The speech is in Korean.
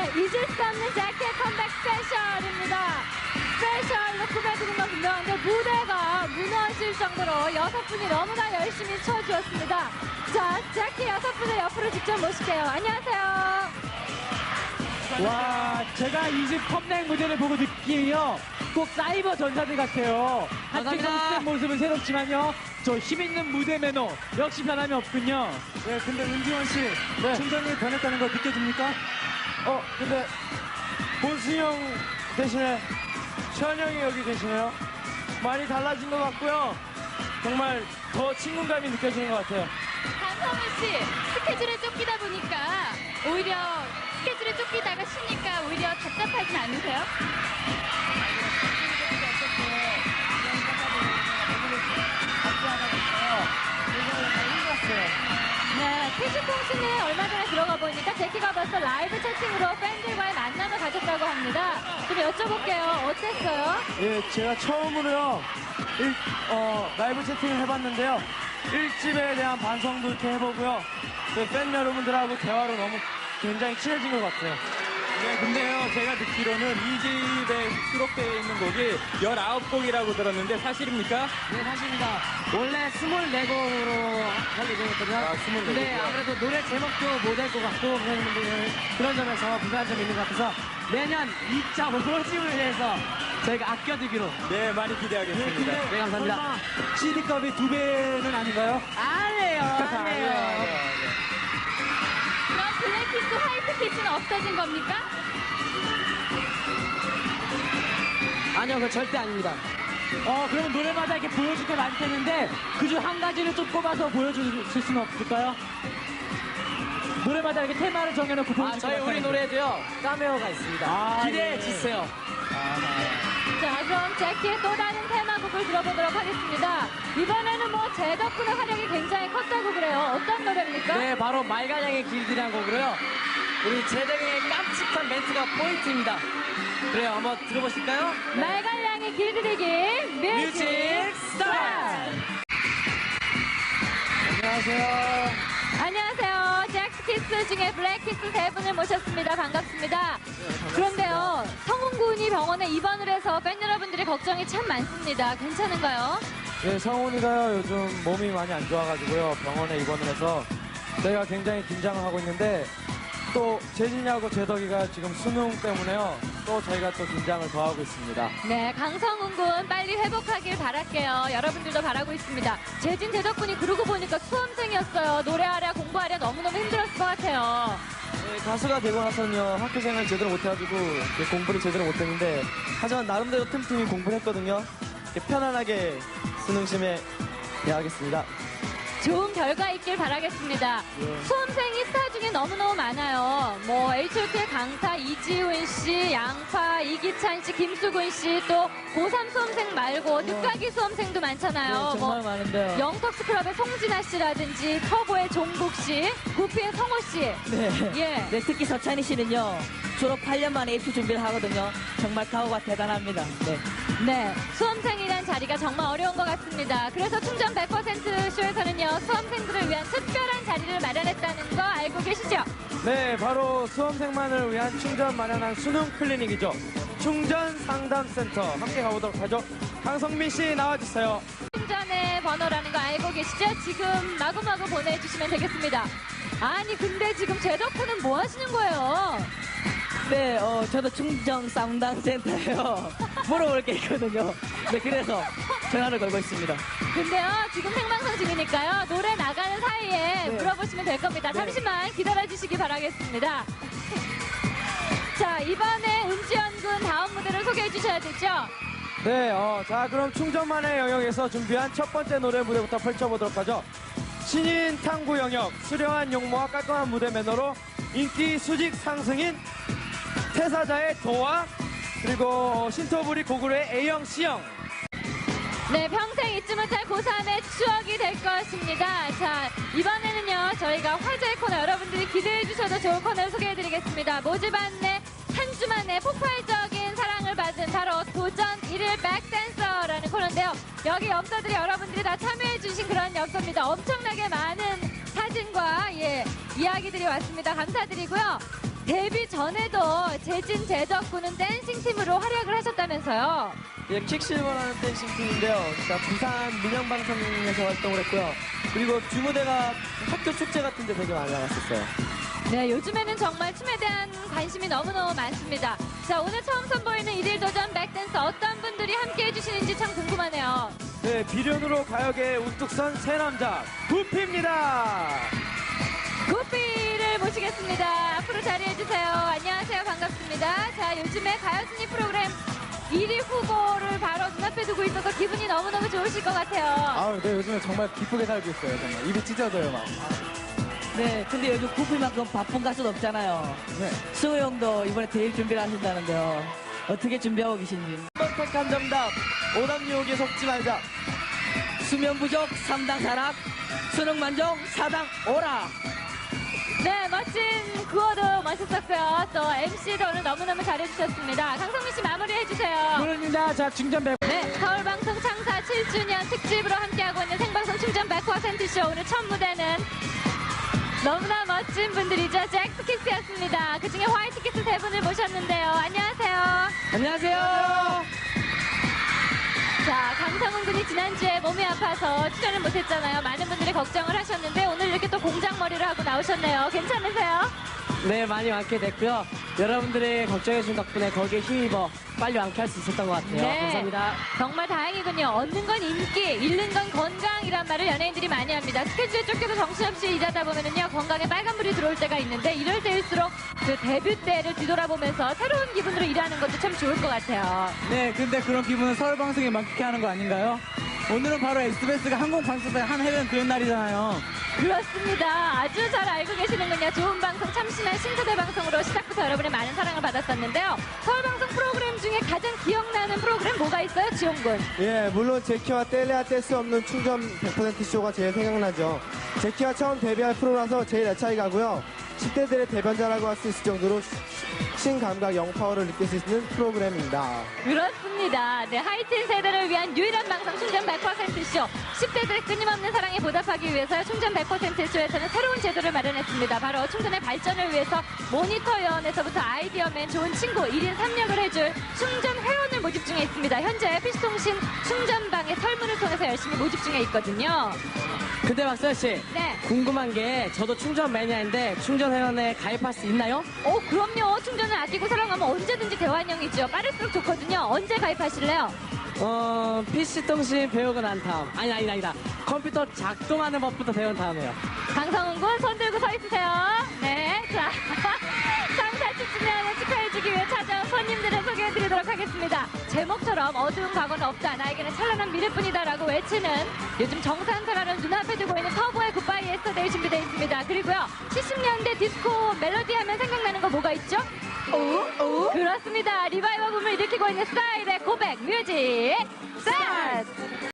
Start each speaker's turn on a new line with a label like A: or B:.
A: 네, 잊을 수 없는 재킷 컴백 스페셜입니다. 스페셜로 꾸며드린 건 분명한데 무대가 무너질 정도로 6분이 너무나 열심히 쳐주었습니다. 자, 재킷 6분을 옆으로 직접 모실게요. 안녕하세요.
B: 와, 제가 이 집 컴백 무대를 보고 느낌이요. 꼭 사이버 전사들 같아요. 한층 성숙된 모습은 새롭지만요. 저 힘있는 무대 매너 역시 변함이 없군요.
C: 네, 근데 은지원 씨, 충전이 변했다는 거 느껴집니까? 근데 본승 형 대신에 션 형이 여기 계시네요. 많이 달라진 것 같고요. 정말 더 친근감이 느껴지는 것 같아요.
A: 강성훈 씨, 스케줄에 쫓기다 보니까 오히려 스케줄에 쫓기다가 쉬니까 오히려 답답하진 않으세요? 네, 태주콩 씨는 얼마 전에 들어가 보니까 제키가 벌써 라이브 채팅으로 팬들과의 만남을 가졌다고 합니다. 좀 여쭤볼게요. 어땠어요?
C: 예, 제가 처음으로요, 라이브 채팅을 해봤는데요. 1집에 대한 반성도 이렇게 해보고요. 팬 여러분들하고 대화로 너무 굉장히 친해진 것 같아요.
B: 네, 근데요, 제가 듣기로는 이 집에 수록되어 있는 곡이 19곡이라고 들었는데 사실입니까?
D: 네, 사실입니다. 원래 24곡으로 할 예정이었거든요.
C: 아, 24곡.
D: 네, 아무래도 노래 제목도 못 할 것 같고 그런 점에서 불편한 점이 있는 것 같아서 내년 2차 5집을 위해서 저희가 아껴두기로.
B: 네, 많이 기대하겠습니다.
D: 네, 감사합니다.
C: CD값이 2배는 아닌가요?
D: 아니에요, 아니에요.
A: 그럼 블랙키스, 화이트키스는 없어진 겁니까?
D: 아니요, 그거 절대 아닙니다.
B: 그러면 노래마다 이렇게 보여줄 게 많을 텐데 그중 한 가지를 좀 꼽아서 보여주실 수는 없을까요? 노래마다 이렇게 테마를 정해놓고 보여줄
D: 저희 우리 노래에도요, 카메오가 있습니다. 기대해 주세요.
A: 자, 그럼 제키의 또 다른 테마곡을 들어보도록 하겠습니다. 이번에는 뭐 제 덕분에 활약이 굉장히 컸다고 그래요. 어떤 노래입니까?
D: 네, 바로 말가량의 길들이란 곡으로요. 우리 재덕의 깜찍한 멘트가 포인트입니다. 그래요, 한번 들어보실까요?
A: 말갈량의 길들이기 뮤직 스타트!
C: 안녕하세요.
A: 안녕하세요. 잭스키스 중에 블랙키스 3분을 모셨습니다. 반갑습니다. 그런데요, 성훈군이 병원에 입원을 해서 팬 여러분들의 걱정이 참 많습니다. 괜찮은가요?
C: 네, 성훈이가요, 요즘 몸이 많이 안 좋아가지고요, 병원에 입원을 해서 저희가 굉장히 긴장을 하고 있는데 또 재진이하고 재덕이가 지금 수능 때문에요, 또 저희가 또 긴장을 더하고 있습니다.
A: 네, 강성훈 군 빨리 회복하길 바랄게요. 여러분들도 바라고 있습니다. 재진, 재덕군이 그러고 보니까 수험생이었어요. 노래하랴 공부하랴 너무너무 힘들었을 것 같아요.
C: 네, 가수가 되고 나서는요, 학교생활 제대로 못해가지고 공부를 제대로 못했는데 하지만 나름대로 틈틈이 공부를 했거든요. 편안하게 수능심에 대하겠습니다.
A: 좋은 결과 있길 바라겠습니다. 수험생이 스타 중에 너무너무 많아요. 뭐 H.O.T의 강타, 이지훈 씨, 양파, 이기찬 씨, 김수근 씨, 또 고3 수험생 말고 늦가기 수험생도 많잖아요.
D: 네, 정말 많은데요.
A: 영턱스 클럽의 송진아 씨라든지 터보의 종국 씨, 구피의 성호 씨.
D: 네.
A: 예.
D: 네, 특히 서찬희 씨는요, 졸업 8년 만에 입시 준비를 하거든요. 정말 각오가 대단합니다. 네.
A: 네, 수험생이란 자리가 정말 어려운 것 같습니다. 그래서 충전 100% 쇼에서는요, 수험생들을 위한 특별한 자리를 마련했다는 거 알고 계시죠?
C: 네, 바로 수험생만을 위한 충전 마련한 수능 클리닉이죠. 충전 상담센터 함께 가보도록 하죠. 강성민 씨 나와주세요.
A: 충전의 번호라는 거 알고 계시죠? 지금 마구마구 보내주시면 되겠습니다. 아니, 근데 지금 제 덕분은 뭐 하시는 거예요?
D: 네, 저도 충정 상담센터에요. 물어볼 게 있거든요. 네, 그래서 전화를 걸고 있습니다.
A: 근데요, 지금 생방송 중이니까요, 노래 나가는 사이에 물어보시면 될 겁니다. 잠시만 기다려주시기 바라겠습니다. 자, 이번에 은지원 군 다음 무대를 소개해 주셔야 되죠?
C: 네, 자 그럼 충전만의 영역에서 준비한 첫 번째 노래 무대부터 펼쳐보도록 하죠. 신인 탐구 영역, 수려한 용모와 깔끔한 무대 매너로 인기 수직 상승인 태사자의 도와, 그리고 신토부리 고구려의 A형, C형.
A: 네, 평생 잊지 못할 고3의 추억이 될 것입니다. 자, 이번에는요, 저희가 화제의 코너, 여러분들이 기대해 주셔도 좋은 코너를 소개해 드리겠습니다. 모집 안내 한 주 만에 폭발적인 사랑을 받은 바로 도전 1일 백댄서라는 코너인데요. 여기 엽서들이 여러분들이 다 참여해 주신 그런 엽서입니다. 엄청나게 많은 사진과 이야기들이 왔습니다. 감사드리고요. 데뷔 전에도 재진 제덕군은 댄싱 팀으로 활약을 하셨다면서요.
D: 예, 킥실버라는 댄싱 팀인데요. 자, 부산 민영방송에서 활동을 했고요. 그리고 주무대가 학교 축제 같은 데 되게 많이 나갔었어요.
A: 네, 요즘에는 정말 춤에 대한 관심이 너무너무 많습니다. 자, 오늘 처음 선보이는 일일 도전 백댄스 어떤 분들이 함께 해주시는지 참 궁금하네요.
C: 네, 비련으로 가요계에 우뚝 선 새 남자 구피입니다.
A: 구피를 모시겠습니다. 앞으로 자리해주세요. 안녕하세요. 반갑습니다. 자, 요즘에 가요순위 프로그램 1위 후보를 바로 눈앞에 두고 있어서 기분이 너무너무 좋으실 것 같아요.
B: 아, 네, 요즘에 정말 기쁘게 살고 있어요. 정말 입이 찢어져요, 막.
E: 네, 근데 요즘 구피만큼 바쁜 가수는 없잖아요.
B: 네.
E: 수호 형도 이번에 대일 준비를 하신다는데요. 어떻게 준비하고 계신지.
D: 선택한 정답, 오답 유혹에 속지 말자.
E: 수면 부족 3당 사락, 수능 만족 4당 오락.
A: 네, 멋진 구호도 멋있었고요. 또 MC도 오늘 너무너무 잘해주셨습니다. 강성민 씨 마무리해주세요.
B: 물론입니다. 자, 충전 100.
A: 네, 서울방송 창사 7주년 특집으로 함께하고 있는 생방송 충전 100%쇼 오늘 첫 무대는 너무나 멋진 분들이죠. 잭스키스였습니다. 그중에 화이트키스 세 분을 모셨는데요. 안녕하세요.
E: 안녕하세요.
A: 자, 강성훈 군이 지난주에 몸이 아파서 출연을 못했잖아요. 많은 분들이 걱정을 하셨는데 오늘 이렇게 또 공장머리를 하고 나오셨네요. 괜찮으세요?
E: 네, 많이 완쾌 됐고요. 여러분들의 걱정해주신 덕분에 거기에 힘입어 빨리 완쾌할 수 있었던 것 같아요.
A: 네.
E: 감사합니다.
A: 정말 다행이군요. 얻는 건 인기, 잃는 건 건강이란 말을 연예인들이 많이 합니다. 스케줄에 쫓겨서 정신없이 일하다 보면은요, 건강에 빨간불이 들어올 때가 있는데 이럴 때일수록 그 데뷔 때를 뒤돌아보면서 새로운 기분으로 일하는 것도 참 좋을 것 같아요.
B: 네, 근데 그런 기분은 서울방송에 만끽해 하는 거 아닌가요? 오늘은 바로 SBS가 항공방송사의 한 해변 그런 날이잖아요.
A: 그렇습니다. 아주 잘 알고 계시는군요. 좋은 방송, 참신한 신세대 방송으로 시작부터 여러분의 많은 사랑을 받았었는데요. 서울방송 프로그램 중에 가장 기억나는 프로그램 뭐가 있어요, 지용군?
C: 예, 물론 제키와 뗄래야 뗄 수 없는 충전 100% 쇼가 제일 생각나죠. 제키가 처음 데뷔할 프로라서 제일 애착이 가고요. 10대들의 대변자라고 할 수 있을 정도로 신감각 영파워를 느낄 수 있는 프로그램입니다.
A: 그렇습니다. 네, 하이틴 세대를 위한 유일한 방송 충전 100%쇼. 10대들의 끊임없는 사랑에 보답하기 위해서 충전 100%쇼에서는 새로운 제도를 마련했습니다. 바로 충전의 발전을 위해서 모니터 요원에서부터 아이디어맨, 좋은 친구, 1인 3역을 해줄 충전 회원을 모집 중에 있습니다. 현재 PC통신 충전방의 설문을 통해서 열심히 모집 중에 있거든요.
E: 근데 박서연 씨,
A: 네.
E: 궁금한 게 저도 충전 매니아인데 충전 회원에 가입할 수 있나요?
A: 그럼요. 충전을 아끼고 사랑하면 언제든지 대환영이죠. 빠를수록 좋거든요. 언제 가입하실래요?
E: PC통신 배우고 난 다음. 아니다. 컴퓨터 작동하는 법부터 배운 다음에요.
A: 강성훈 군 손 들고 서 있으세요. 네. 자, 창사 10주년을 축하해주기 위해 찾아온 손님들을 소개해드리도록 하겠습니다. 제목처럼 어두운 과거는 없다. 나에게는 찬란한 미래뿐이다라고 외치는 요즘 정산사라는 눈앞에 두고 있는 터보의 굿바이 예스터데이 준비되어 있습니다. 그리고요. 70년대 디스코 멜로디 하면 생각나는 거 뭐가 있죠? 그렇습니다. 리바이벌 붐을 일으키고 있는 스타일의 고백 뮤직 스타트!